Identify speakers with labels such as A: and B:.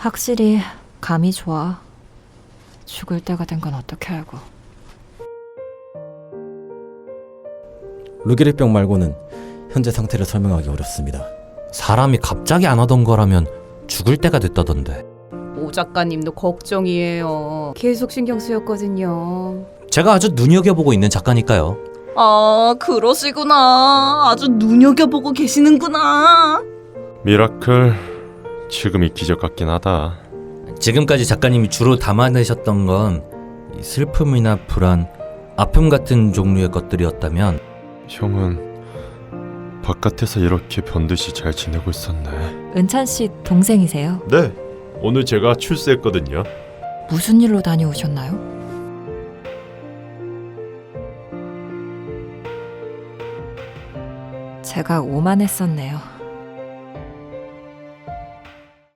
A: 확실히 감이 좋아. 죽을 때가 된 건 어떻게 알고.
B: 루게릭병 말고는 현재 상태를 설명하기 어렵습니다.
C: 사람이 갑자기 안 하던 거라면 죽을 때가 됐다던데.
D: 오 작가님도 걱정이에요. 계속 신경 쓰였거든요.
C: 제가 아주 눈여겨보고 있는 작가니까요.
D: 아, 그러시구나. 아주 눈여겨보고 계시는구나.
E: 미라클, 지금이 기적 같긴 하다.
C: 지금까지 작가님이 주로 담아내셨던 건 슬픔이나 불안, 아픔 같은 종류의 것들이었다면
E: 형은 바깥에서 이렇게 변듯이 잘 지내고 있었네.
A: 은찬 씨 동생이세요?
E: 네, 오늘 제가 출세했거든요.
A: 무슨 일로 다녀오셨나요? 제가 오만했었네요.